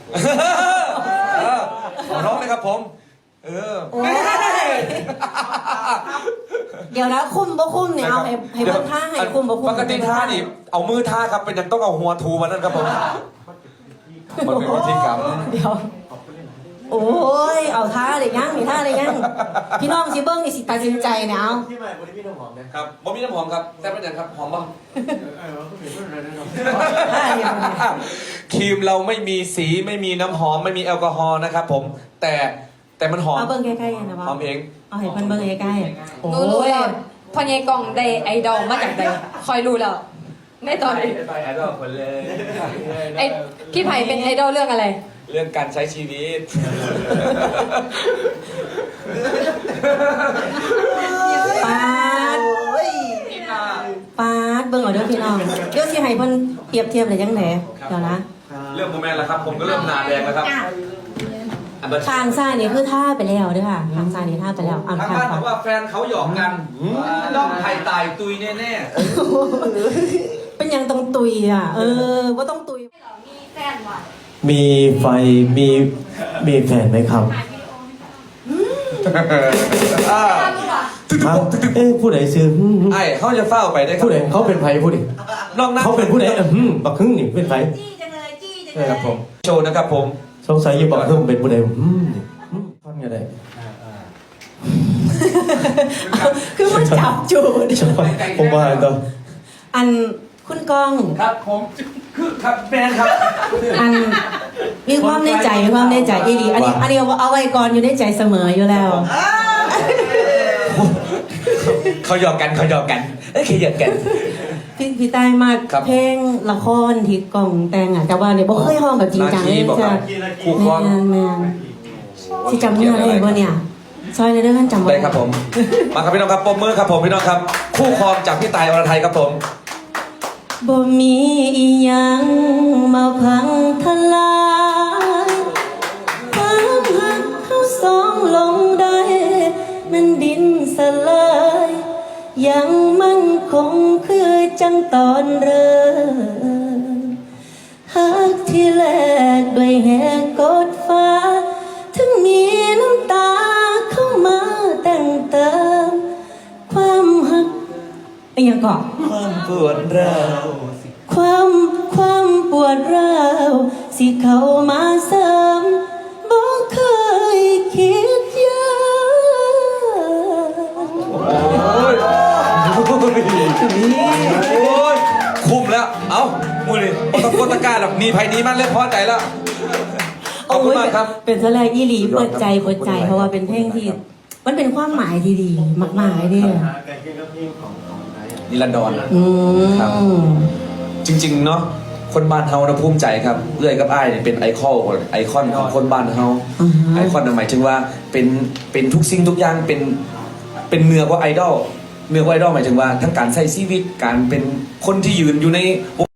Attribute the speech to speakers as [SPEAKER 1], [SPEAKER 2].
[SPEAKER 1] ขอร้องเลยครับผม
[SPEAKER 2] เดี๋ยวนะคุ้มบ่คุ้มเนี่ยเอาให้เบิ่งท่าให้คุ้มบ่คุ้ม
[SPEAKER 1] ปกติท่านี่เอามือท่าครับเป็นยังต้องเอาหัวทูมานั่นครับผมมันเป็นวิธีกรรม
[SPEAKER 2] เดี๋ยวโอ้ยเอาท่าเลยยังมีท่าเลยยังพี่น้องสิเบิ้งนี่สิตัดสินใจเนี่ยเอา
[SPEAKER 3] ที่ใหม่บริมีน้ำหอมนะครับ
[SPEAKER 1] บ่มีน้ำหอมครับแต่เป็นอย่างครับหอมบ้างครีมเราไม่มีสีไม่มีน้ำหอมไม่มีแอลกอฮอล์นะครับผมแต่มันหอม
[SPEAKER 2] เอาเบิ้งใกล้ๆนะว่า
[SPEAKER 1] หอมเอง
[SPEAKER 2] เอาเห็นเพิ่นเบิ้งใกล้ๆโอ้
[SPEAKER 4] รู้
[SPEAKER 2] ย
[SPEAKER 4] แล้วพอใหญ่กล่องได้ไอดอลมาจากใดคอยรู้แล้วในตอนนี้
[SPEAKER 1] ไปไอดอลคนเลย
[SPEAKER 4] ไอพี่ไผ่เป็นไอดอลเรื่องอะไร
[SPEAKER 1] เรื่องการใช้ชีวิต
[SPEAKER 2] ปาดปาดเบิ้งเอาเด้อพี่น้องเดี๋ยวสิให้เพิ่นเปรียบเทียบเลยจังได๋เดี๋ยวนะ
[SPEAKER 1] เรื่องโมแมนแล้วครับผมก็เริ่มหนาแดงแล้วครับ
[SPEAKER 2] ทางซ้ายนี่คือท่าไปแล้วเด้อค่ะทางซ้ายนี่ท่าไปแล้วอ่าน
[SPEAKER 1] ทาง
[SPEAKER 2] ข้าง
[SPEAKER 1] บ้าน
[SPEAKER 2] ข
[SPEAKER 1] บ
[SPEAKER 2] วา
[SPEAKER 1] อกว่าแฟนเขาหยอกกันต้องไข่ตายตุยแน่
[SPEAKER 2] เป็นยังต้องตุยอ่ะว่าต้องตุย
[SPEAKER 4] มีแฟนว่ะ
[SPEAKER 3] มีไฟมีแฟนไหมครับครับผู้ใดซื้อ
[SPEAKER 1] ไอ้เขาจะเฝ้าไปได้ครับ
[SPEAKER 3] ผู้ใดเขาเป็นไผผู้ใด
[SPEAKER 1] น้องนัท
[SPEAKER 3] เขาเป็นผู้ใดบักฮึ่งนี่เป็นไผ
[SPEAKER 2] จี้จังเลยจี้จังเลย
[SPEAKER 1] ครับผมโชว์นะครับผม
[SPEAKER 3] สงสัยอยู่บักฮึ่งเป็นผู้ใดฟังยังไง
[SPEAKER 2] คือมันจับจูด
[SPEAKER 3] ผมว่าตัว
[SPEAKER 2] อันคุณกอง
[SPEAKER 1] ครับผมคือครับแฟนครับ
[SPEAKER 2] อันมีความในใจอีหลีอันนี้เอาไว้ก่อนอยู่ในใจเสมออยู่แล้ว
[SPEAKER 1] เขาหยอกกันเอ้ยเขาหยอกกัน
[SPEAKER 2] พี่ใต้มาก
[SPEAKER 1] ครับ
[SPEAKER 2] เพลงละครที่กองแต่งอ่ะแต่ว่าเนี่ยบ่เคยห้องแบบจริงจังเลย
[SPEAKER 1] บอก
[SPEAKER 2] จ้ะ
[SPEAKER 1] ว่าคู่ครอง
[SPEAKER 2] แมนที่จำเนื้อได้บ่เนี่ยซอยในเรื่องนั้นจำบ่
[SPEAKER 1] ได้ครับผมมาครับพี่น้องครับปมมือครับผมพี่น้องครับ คู่ครองจากพี่ตายอรไทยครับผม
[SPEAKER 2] บ่มีอีหยังมาพังทลายความหักเขาสองลงได้มันดินสลายยังมั่นคงคือจังตอนเริ่มหักที่แลกด้วยแหกกดฟ้าถึงมีน้ำตาเข้ามาแต่งเติมความหักอะไรอย่างก่อน
[SPEAKER 1] ความปวดร้าว
[SPEAKER 2] ความปวดร้าวสิเข้ามาเสริมบ่เคยคิดยาก
[SPEAKER 1] โอ้ยคุ้มแล้วเอ้ามือนี่โอตะโกตะกร้าหรอกมีภัยนี้มันเล่นพอใจแล้วขอบคุณมากครับ
[SPEAKER 2] เป็นแสดงอีหลีเปิดใจเพราะว่าเป็นเพลงที่มันเป็นความหมายที่ดีมากๆเนี่ย
[SPEAKER 1] นิรันดร ครับ
[SPEAKER 2] อืม
[SPEAKER 1] จริงๆเนาะคนบ้านเฮานะภูมิใจครับเอื้อยกับอ้ายเนี่ยเป็นไอคอนของคนบ้านเฮาไอคอนหมายถึงว่าเป็นทุกสิ่งทุกอย่างเป็นเหนือกว่าไอดอลเหนือกว่าไอดอลหมายถึงว่าทั้งการใช้ชีวิตการเป็นคนที่ยืนอยู่ใน